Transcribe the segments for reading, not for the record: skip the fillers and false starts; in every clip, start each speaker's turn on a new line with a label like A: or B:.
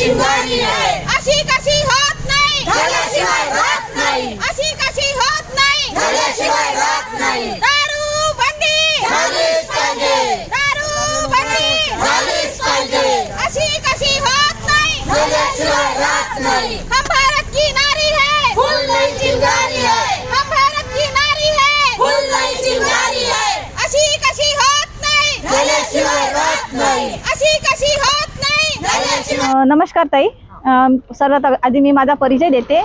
A: चिंगारी है,
B: अशी कशी होत नाही,
A: झाल्याशिवाय राहत नाही,
B: अशी कशी होत नाही,
A: झाल्याशिवाय राहत नाही.
B: दारू बंदी
A: झालीच पाहिजे,
B: दारू बंदी
A: झालीच पाहिजे,
B: अशी कशी होत नाही,
A: झाल्याशिवाय राहत नाही.
B: हम भारत की नारी है,
A: फुल नहीं चिंगारी है,
B: हम भारत की नारी है,
A: फुल नहीं चिंगारी है,
B: अशी कशी होत नाही,
A: झाल्याशिवाय राहत नाही,
B: अशी कशी होत नाही,
A: झाल्याशिवाय.
C: नमस्कार ताई. सर्वात आधी मी माझा परिचय देते.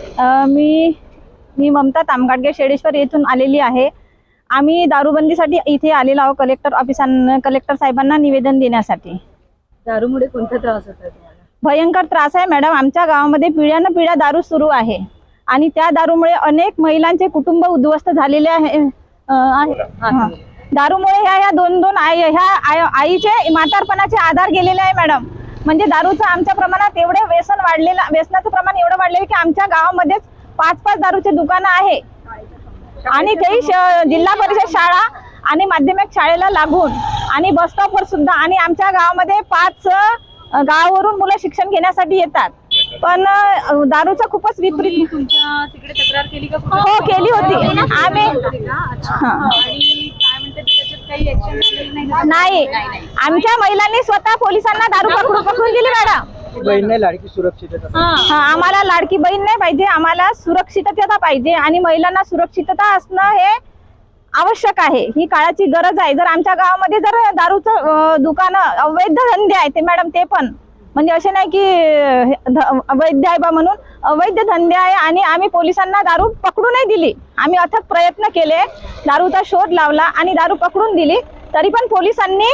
C: मी ममता तामगाडगे शेडेश्वर येथून आलेली आहे. आम्ही दारूबंदीसाठी इथे आलेलो आहोत कलेक्टर साहेबांना निवेदन देण्यासाठी.
D: दारूमुळे कोणता त्रास होता तुम्हाला?
C: भयंकर त्रास आहे मॅडम. आमच्या गावामध्ये पिढ्यानपिढ्या दारू सुरू आहे आणि त्या दारूमुळे अनेक महिलांचे कुटुंब उद्ध्वस्त झालेले आहे. दारूमुळे ह्या दोन आईचे म्हातारपणाचे आधार गेलेले आहे मॅडम. म्हणजे दारूचं आमच्या प्रमाणात एवढे व्यसनाचं प्रमाण एवढं वाढलेलं की आमच्या गावामध्येच 5-5 दारूचे दुकानं आहे आणि काही जिल्हा परिषद शाळा आणि माध्यमिक शाळेला लागून आणि बस स्टॉपवर सुद्धा आणि आमच्या गावामध्ये 5 गावावरून मुलं शिक्षण घेण्यासाठी येतात. पण दारूचा खूपच विपरीत.
D: तुमच्या तिकडे तक्रार केली का?
C: हो केली होती आम्ही.
D: आणि काय म्हणते त्याच्यात काही ऍक्शन झालेली नाही?
C: नाही, आमच्या महिलांनी स्वतः पोलिसांना दारू पकडून दिली मॅडम.
E: बहीण नाही, लाडकी सुरक्षितता.
C: आम्हाला लाडकी बहीण नाही पाहिजे, आम्हाला सुरक्षितता पाहिजे आणि महिलांना सुरक्षितता असणं हे आवश्यक आहे. ही काळाची गरज आहे. जर आमच्या गावामध्ये जर दारूचं दुकान अवैध धंदे आहे ते मॅडम, ते पण म्हणजे असे नाही की अवैध आहे बा म्हणून, अवैध धंदे आहे आणि आम्ही पोलिसांना दारू पकडू नाही दिली. आम्ही अथक प्रयत्न केले, दारूचा शोध लावला आणि दारू पकडून दिली. तरी पण पोलिसांनी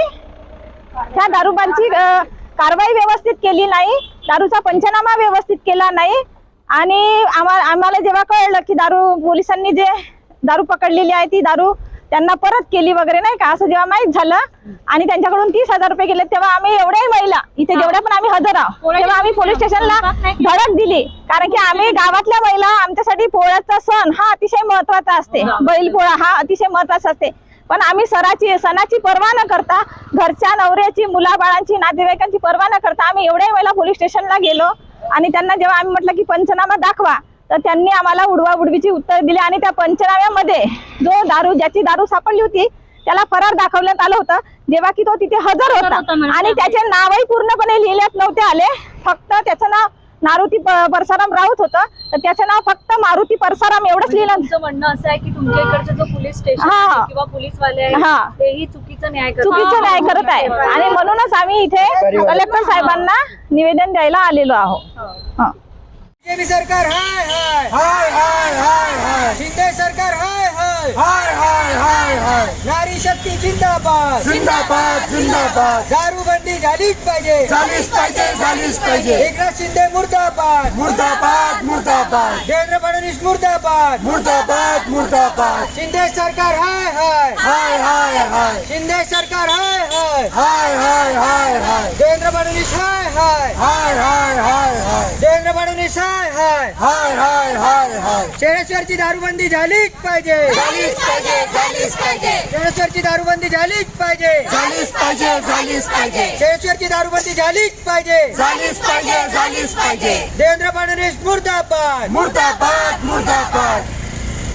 C: त्या दारूबांची कारवाई व्यवस्थित केली नाही, दारूचा पंचनामा व्यवस्थित केला नाही. आणि आम्हाला जेव्हा कळलं की पोलिसांनी जे दारू पकडलेली आहे ती दारू त्यांना परत केली वगैरे नाही का, असं जेव्हा माहीत झालं आणि त्यांच्याकडून 30,000 रुपये गेले, तेव्हा आम्ही एवढ्याही महिला इथे जेवढ्या पण आम्ही हजर आहोत तेव्हा आम्ही पोलीस स्टेशनला धडक दिली. कारण की आम्ही गावातल्या महिला, आमच्यासाठी पोळ्याचा सण हा अतिशय महत्वाचा असते, बैलपोळा हा अतिशय महत्वाचा असते. पण आम्ही सणाची पर्वा न करता, घरच्या नवऱ्याची, मुलाबाळांची, नातेवाईकांची पर्वा न करता आम्ही एवढ्याही महिला पोलीस स्टेशनला गेलो आणि त्यांना जेव्हा आम्ही म्हटलं की पंचनामा दाखवा, तर त्यांनी आम्हाला उडवाउडवीची उत्तर दिली आणि त्या पंचनाम्यामध्ये ज्याची दारू सापडली होती त्याला फरार दाखवण्यात आलं होतं, जेव्हा की तो तिथे हजर होता आणि त्याचे नावही पूर्णपणे लिहिण्यात नव्हते आले. फक्त त्याचं नाव मारुती परसाराम राऊत होतं, तर त्याचं नाव फक्त मारुती परसाराम एवढंच लिहिलं.
D: तुमचं म्हणणं असं आहे की तुमच्या इकडचं जो पोलीस स्टेशन किंवा पोलीसवाले आहे तेही चुकीचं न्याय
C: करत आहे आणि म्हणूनच आम्ही इथे कलेक्टर साहेबांना निवेदन द्यायला आलेलो आहोत.
E: बीजेपी सरकार हाय हाय हाय हाय हाय हाय, शिंदे सरकार हाय हाय हाय हाय हाय हाय, नारी शक्ती जिंदाबाद जिंदाबाद जिंदाबाद, दारूबंदी झालीच पाहिजे झालीच पाहिजे झालीच पाहिजे, एकनाथ शिंदे मुर्दाबाद मुर्दाबाद मुर्दाबाद, देवेंद्र फडणवीस मुर्दाबाद मुर्दाबाद मुर्दाबाद, शिंदे सरकार हाय हाय हाय हाय हाय, शिंदे सरकार हाय हाय हाय हाय हाय हाय, देवेंद्र फडणवीस हाय हाय हाय हाय हाय हाय, देवेंद्र फडणवीस हाय हाय हाय हाय हाय, शेडेश्वरची दारूबंदी झालीच पाहिजे झालीच पाहिजे झालीच पाहिजे, शेडेश्वरची दारूबंदी झालीच पाहिजे झालीच पाहिजे झालीच पाहिजे, शेडेश्वरची दारूबंदी झालीच पाहिजे झालीच पाहिजे झालीच पाहिजे, देवेंद्र फडणवीस मुर्दाबाद मुर्दाबाद मुर्दाबाद.